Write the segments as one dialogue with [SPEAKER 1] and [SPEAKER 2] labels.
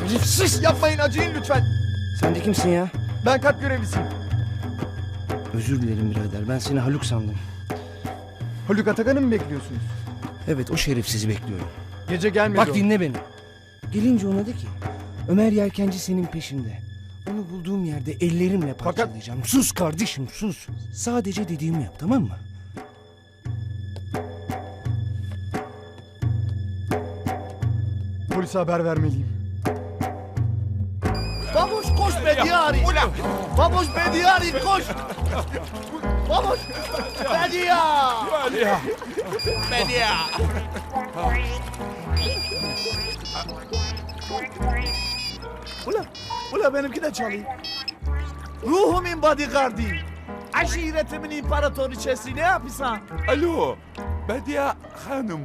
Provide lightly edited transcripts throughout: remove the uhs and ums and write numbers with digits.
[SPEAKER 1] Şerefsiz! Yapmayın, acıyın lütfen.
[SPEAKER 2] Sen de kimsin ya?
[SPEAKER 1] Ben kat görevlisiyim.
[SPEAKER 2] Özür dilerim birader. Ben seni Haluk sandım.
[SPEAKER 1] Haluk Atakan'ı mı bekliyorsunuz?
[SPEAKER 2] Evet, o şerefsizi bekliyorum.
[SPEAKER 1] Gece gelmedi
[SPEAKER 2] Bak
[SPEAKER 1] o.
[SPEAKER 2] dinle beni. Gelince ona de ki Ömer Yelkenci senin peşinde. Onu bulduğum yerde ellerimle parçalayacağım. Sus kardeşim, sus. Sadece dediğimi yap, tamam mı?
[SPEAKER 1] Polise haber vermeliyim.
[SPEAKER 3] Baboş koş Bediyari. Baboş Bediyari koş. Baboş Bediya.
[SPEAKER 4] Bedia.
[SPEAKER 3] Ula benimki de çalayım. Ruhumun bodyguardı. Aşiretimin imparatoriçesi ne yapıyorsun?
[SPEAKER 4] Alo, Bedia Hanım.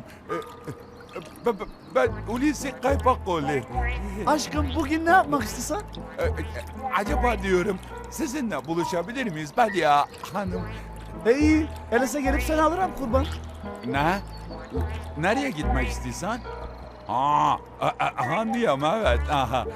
[SPEAKER 4] Ben Hulusi Kaypakoğlu.
[SPEAKER 3] Aşkım bugün ne yapmak istiyorsan?
[SPEAKER 4] Acaba diyorum sizinle buluşabilir miyiz Bedia Hanım?
[SPEAKER 3] İyi. Öyleyse gelip seni alırım kurban.
[SPEAKER 4] Ne? Nereye gitmek istiyorsan? Anlıyorum evet. Aha.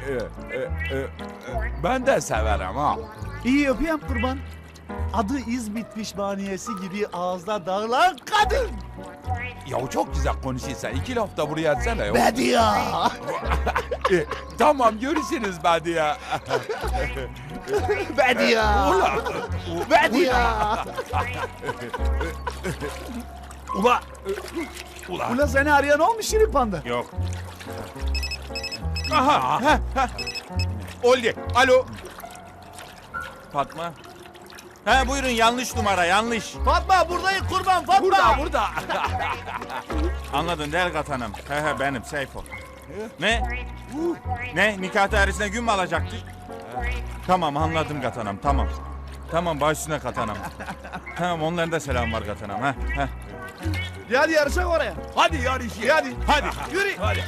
[SPEAKER 4] Ben de severim ha.
[SPEAKER 3] İyi öpeyim kurban. Adı İzmit pişmaniyesi gibi ağızda dağılan kadın.
[SPEAKER 4] Ya çok güzel konuşuyorsun. 2 laf da buraya etsene. Ya.
[SPEAKER 3] Bediya.
[SPEAKER 4] Tamam görüşürüz Bedia.
[SPEAKER 3] Bediya. Bediya.
[SPEAKER 4] Ula.
[SPEAKER 3] Ula seni arayan olmuş Şirin Panda.
[SPEAKER 4] Yok. Aha. Oldu. Alo.
[SPEAKER 5] Fatma. He buyurun, yanlış numara, yanlış.
[SPEAKER 3] Fatma buradayım kurban Fatma.
[SPEAKER 4] Burada.
[SPEAKER 5] Anladın değil Katanım. He benim Seyfo. Ne? Ne? Nikah dairesine gün mü alacaktık? Tamam anladım Katanım, tamam. Tamam baş üstüne Katanım. Tamam onların da selam var Katanım. He.
[SPEAKER 3] Hadi yarışak oraya.
[SPEAKER 4] Hadi yarışı.
[SPEAKER 3] Hadi. Yürü.
[SPEAKER 4] Hadi.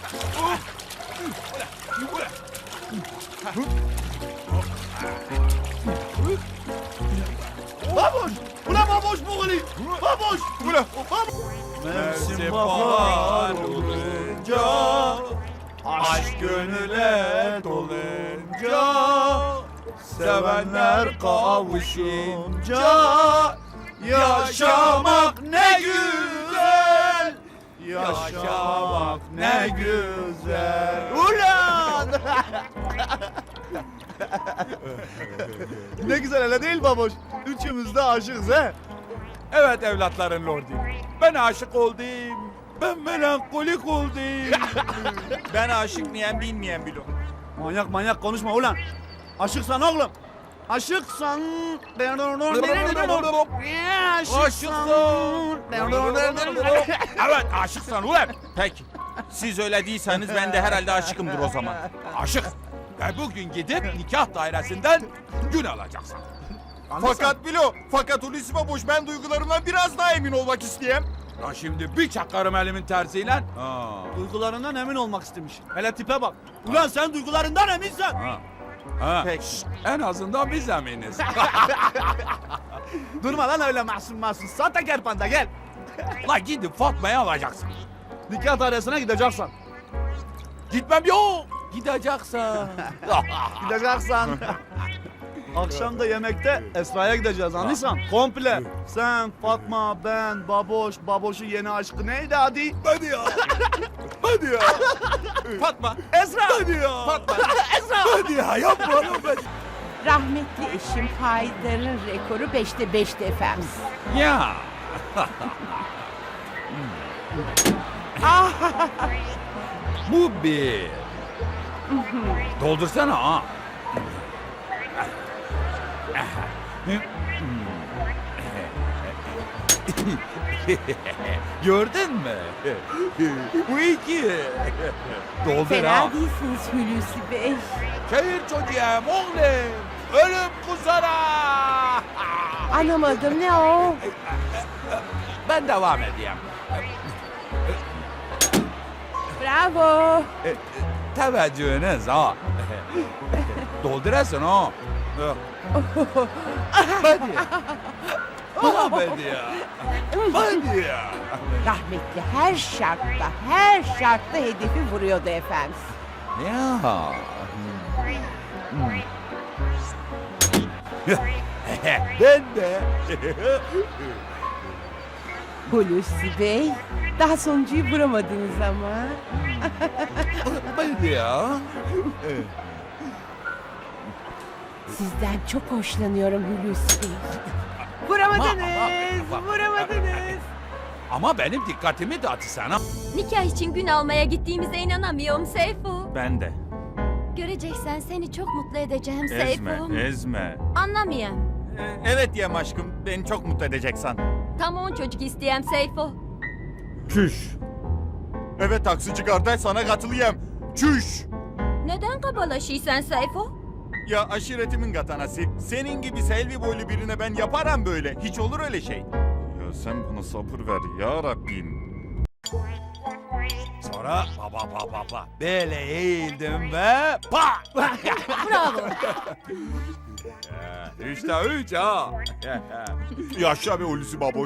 [SPEAKER 3] Baboş. Ula baboş bu gülü. Baboş. Ula.
[SPEAKER 4] Mevsim bahar olunca, aşk gönüle dolunca, sevenler kavuşunca, yaşamak ne güzel, yaşamak ne güzel.
[SPEAKER 3] Ulan. Ne güzel öyle değil baboş. Üçümüz de aşığız he.
[SPEAKER 4] Evet evlatların lordu. Ben aşık oldum. Ben melankolik oldum.
[SPEAKER 5] Ben aşık mıyım bilmeyen bilo.
[SPEAKER 3] Manyak konuşma ulan. Aşıksan oğlum. Aşıksan.
[SPEAKER 5] Evet aşıksan ulan. Peki. Siz öyle değilseniz ben de herhalde aşıkımdır o zaman.
[SPEAKER 4] Aşık. Ve bugün gidip nikah dairesinden gün alacaksın.
[SPEAKER 5] Fakat Hulusi Baboş, ben duygularımdan biraz daha emin olmak isteyeyim.
[SPEAKER 4] Ya şimdi bir çakarım elimin tersiyle.
[SPEAKER 3] Duygularından emin olmak istemiş. Hele tipe bak. Ulan sen duygularından eminsen.
[SPEAKER 5] Peki.
[SPEAKER 4] En azından biz eminiz.
[SPEAKER 3] Durma lan öyle masum. Sahtekar panda gel.
[SPEAKER 4] La gidip Fatma'yı alacaksın.
[SPEAKER 3] Nikah dairesine gideceksin.
[SPEAKER 4] Gitmem yok. Gideceksin.
[SPEAKER 3] Gideceksin. Akşam da yemekte Esra'ya gideceğiz anlıyorsan. Komple. Sen, Fatma, ben, Baboş, Baboş'un yeni aşkı neydi hadi?
[SPEAKER 4] Hadi ya. Hadi ya.
[SPEAKER 5] Fatma.
[SPEAKER 3] Esra!
[SPEAKER 4] Hadi ya.
[SPEAKER 5] Fatma.
[SPEAKER 3] Esra!
[SPEAKER 4] Hadi ya yapma.
[SPEAKER 6] Rahmetli eşim Haydar'ın rekoru 5'te 5'ti efendim.
[SPEAKER 4] Ya. Bu bir. Doldursana ha. Gördün mü? Bu iki. Doldur
[SPEAKER 6] Fena
[SPEAKER 4] ha.
[SPEAKER 6] değilsiniz Hulusi Bey.
[SPEAKER 4] Şehir çocuğum oğlum. Ölüm kusara.
[SPEAKER 6] Anlamadım ne o?
[SPEAKER 4] Ben devam edeyim.
[SPEAKER 6] Bravo.
[SPEAKER 4] Teveccühünüz ha. Doldurasın ha. Hadi. Hadi ya. Hadi ya.
[SPEAKER 6] Rahmetli her şartta hedefi vuruyordu efendim.
[SPEAKER 4] Ya. Ben de.
[SPEAKER 6] Hulusi Bey, daha sonuncuyu vuramadınız ama.
[SPEAKER 4] Ben de ya.
[SPEAKER 6] Sizden çok hoşlanıyorum Hulusi Bey. Vuramadınız, vuramadınız.
[SPEAKER 4] Ama benim dikkatimi dağıttı sana.
[SPEAKER 7] Nikah için gün almaya gittiğimize inanamıyorum Seyfo.
[SPEAKER 5] Ben de.
[SPEAKER 7] Göreceksen seni çok mutlu edeceğim
[SPEAKER 5] Ezme,
[SPEAKER 7] Seyfo.
[SPEAKER 5] ezme.
[SPEAKER 7] Anlamayayım.
[SPEAKER 5] Evet diyem aşkım. Beni çok mutlu edeceksen.
[SPEAKER 7] Tam 10 çocuk isteyem Seyfo.
[SPEAKER 5] Çüş. Evet taksici kardeş sana katılayım. Çüş.
[SPEAKER 7] Neden kabalaşıysan Seyfo?
[SPEAKER 5] Ya aşiretimin katanası. Senin gibi selvi boylu birine ben yaparım böyle. Hiç olur öyle şey. Ya sen bana sabır ver ya Rabbim.
[SPEAKER 4] Sonra baba. Böyle eğildim ve pa!
[SPEAKER 7] Bravo.
[SPEAKER 4] Üçte üç ha.
[SPEAKER 5] Yaşa be Hulusi baboş.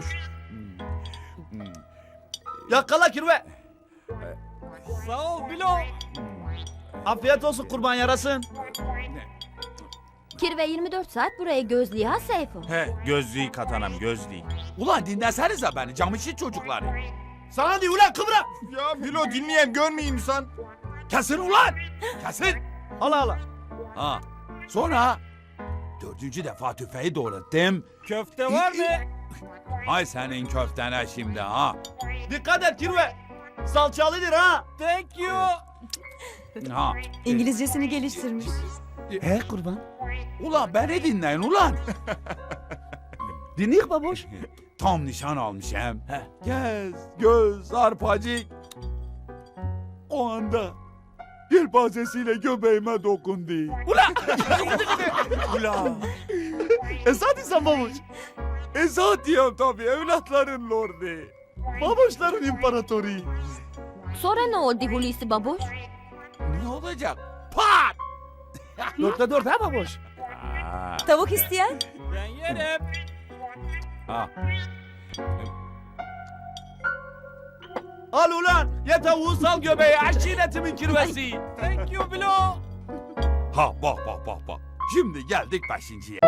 [SPEAKER 3] Yakala kirve.
[SPEAKER 4] Sağ ol Bilo.
[SPEAKER 3] Afiyet olsun kurban yarasın.
[SPEAKER 7] Kirve 24 saat buraya gözlüyor ha Seyfo.
[SPEAKER 5] He gözlüğü katanam gözlüğü.
[SPEAKER 4] Ulan dinlesenize beni camışı çocukları.
[SPEAKER 3] Sana diyor ulan kıvra.
[SPEAKER 5] Ya Bilo dinleyeyim görmeyeyim insan.
[SPEAKER 4] Kesin ulan. Kesin.
[SPEAKER 3] Hala hala.
[SPEAKER 4] Ha. Sonra 4. defa tüfeği doğrattım.
[SPEAKER 5] Köfte var mı?
[SPEAKER 4] Hay senin köftene şimdi ha.
[SPEAKER 3] Dikkat et kirve. Salçalıdır ha.
[SPEAKER 5] Thank you.
[SPEAKER 4] Ha.
[SPEAKER 8] İngilizcesini geliştirmiş.
[SPEAKER 3] He kurban.
[SPEAKER 4] Ulan beni dinleyin ulan.
[SPEAKER 3] Dinleyik baboş.
[SPEAKER 4] Tam nişan almışım. Göz, göz, arpacık. O anda yelpazesiyle göbeğime dokundu. Ulan.
[SPEAKER 3] Esad insan baboş.
[SPEAKER 4] Esat diyorum tabii evlatların lordu.
[SPEAKER 3] Baboşların imparatoru.
[SPEAKER 7] Sonra ne oldu Hulusi baboş?
[SPEAKER 4] Ne olacak? Pat!
[SPEAKER 3] 4'te 4 ha baboş.
[SPEAKER 8] Tavuk isteyen?
[SPEAKER 5] Ben yerim.
[SPEAKER 4] Ha.
[SPEAKER 3] Al ulan. Ye tavuğu sal göbeğe aşiretimin kirvesi.
[SPEAKER 5] Thank you Bilo.
[SPEAKER 4] Ha bak. Şimdi geldik 5.'ye.